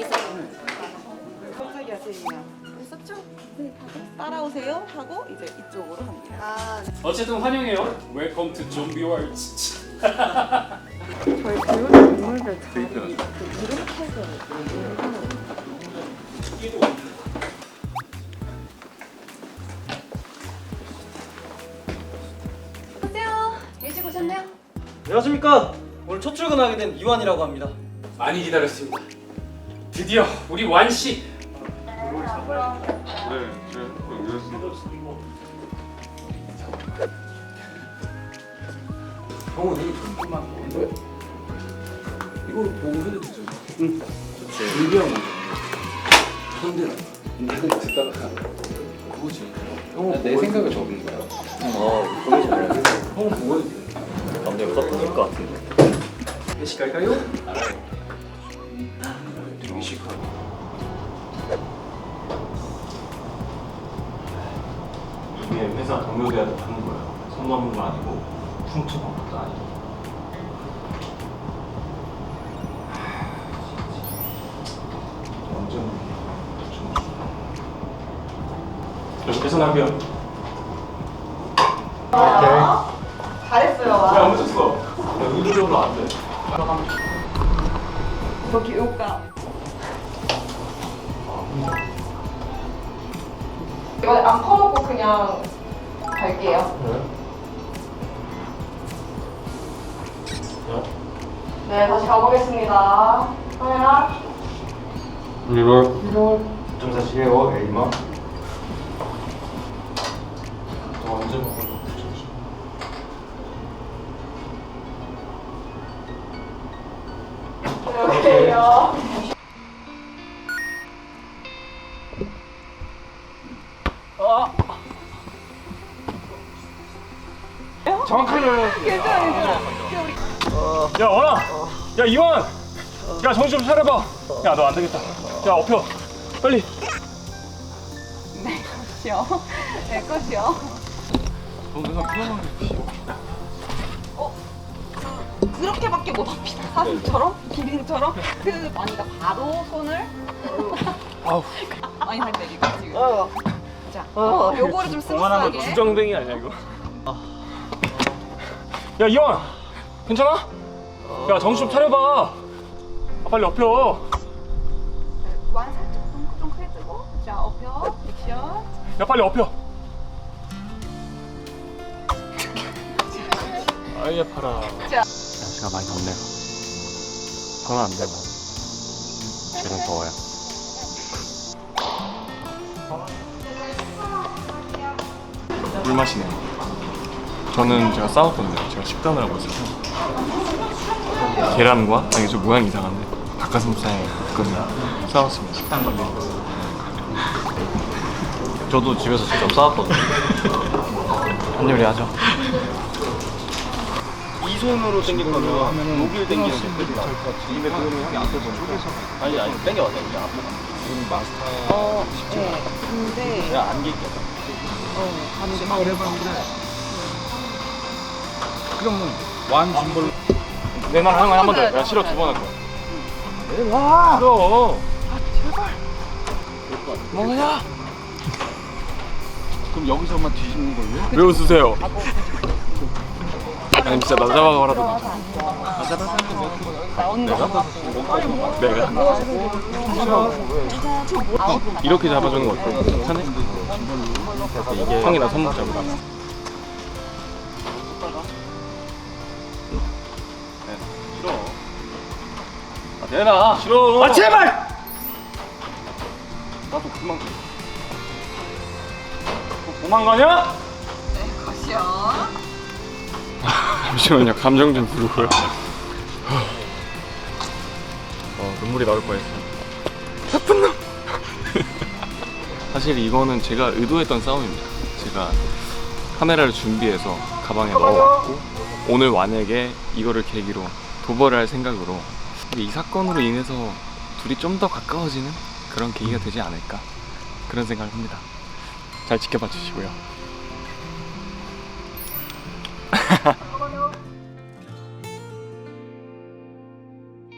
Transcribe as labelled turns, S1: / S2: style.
S1: 있어요. 깜짝이 하세요. 했었죠? 네, 따라오세요 하고 이제 이쪽으로 갑니다. 아, 네.
S2: 어쨌든 환영해요. 웰컴 투 좀비 월드.
S1: 저희 배우는 인물들 잘 이름 태그
S3: 안녕하세요. 일찍 오셨네요?
S4: 안녕하십니까. 오늘 첫 출근하게 된 이완이라고 합니다.
S2: 많이 기다렸습니다. 드디어 우리 완 씨.
S5: 형은 되게 좀만 먹는데 이거 보고 해도 되죠? 응. 준비한 거. 현대는 내가 듣다가 그거지. 형은 내 생각을 적은 거야. 그거지 말이야. 형은 보고 해도 돼.
S4: 남자가 떴을 것 같은데.
S5: 회식 갈까요? 회식하고.
S6: 이게 회사 동료들한테 받는 거예요. 손 넘는 거 아니고 퉁퉁한 것도 아니고. 완전 계속 남겨.
S1: 잘했어요.
S6: 왜안 붙였어? 의도적으로 안 돼.
S1: 여기 요가.
S3: 이거 안 퍼먹고 그냥 갈게요. 네, 다시 가보겠습니다. 카메라.
S6: 이걸 9.4 A마. 너 언제 먹을 거 붙였어?
S3: 이렇게요.
S6: 야 원아! 야 이완! 야 정신 좀 차려봐. 야 너 안 되겠다. 야 엎혀. 빨리.
S1: 시요. 네, 끝이요. 그렇게밖에 못 합니다. 사슴처럼, 기린처럼 그 많이가 바로 손을 많이 할 때리고 지금. 자, 요거를 좀 스무스하게.
S6: 주정뱅이 아니야 이거? 야 이완! 괜찮아? 야 정신 좀 차려봐. 아, 빨리 엎혀.
S1: 완 살짝 좀 크게 뜨고. 자, 엎여, 액션.
S6: 야 빨리 엎혀. 아예 팔아.
S7: 날씨가 많이 덥네요. 저는 안 되고 쟤는 더워요. 물 마시네요. 저는 제가 싸웠거든요. 제가 식단을 하고 있어서 계란과 아니 저 모양이 이상한데 닭가슴살에 볶음을 싸웠습니다. 식단 관리. 저도 집에서 직접 싸웠거든요. 한 요리 하죠.
S4: 이 손으로 당길 거면 여기를 당기는 게 끝이다. 입에 그러면 형이 앞에서 쪼개서. 아니 당겨봐 당겨 앞에서. 지금 마스터.
S1: 네. 근데
S4: 내가 안길게.
S5: 생각을 해봤는데 그러면 완 짐벌
S6: 내 말 하는 거 한 번 더. 야 싫어 두 번 할 거야.
S5: 와
S6: 싫어.
S5: 뭐야? 그럼 여기서만 뒤집는 걸요?
S6: 왜 웃으세요? 아니 진짜 나 잡아가라도
S1: 나오는 거 같고.
S6: 내가 이렇게 잡아주는 거 어때? 괜찮아? 이게 형이 나 손목 잡으라. 싫어. 아 내놔. 싫어. 아 제발. 나도 그만. 도망가냐?
S1: 가시요.
S7: 잠시만요. 감정 좀 부르고요. 눈물이 나올 뻔했어요. 나쁜 놈. 사실 이거는 제가 의도했던 싸움입니다. 제가 카메라를 준비해서 가방에 넣어왔고 오늘 완에게 이거를 계기로 도발을 할 생각으로 이 사건으로 인해서 둘이 좀 더 가까워지는 그런 계기가 되지 않을까 그런 생각을 합니다. 잘 지켜봐 주시고요.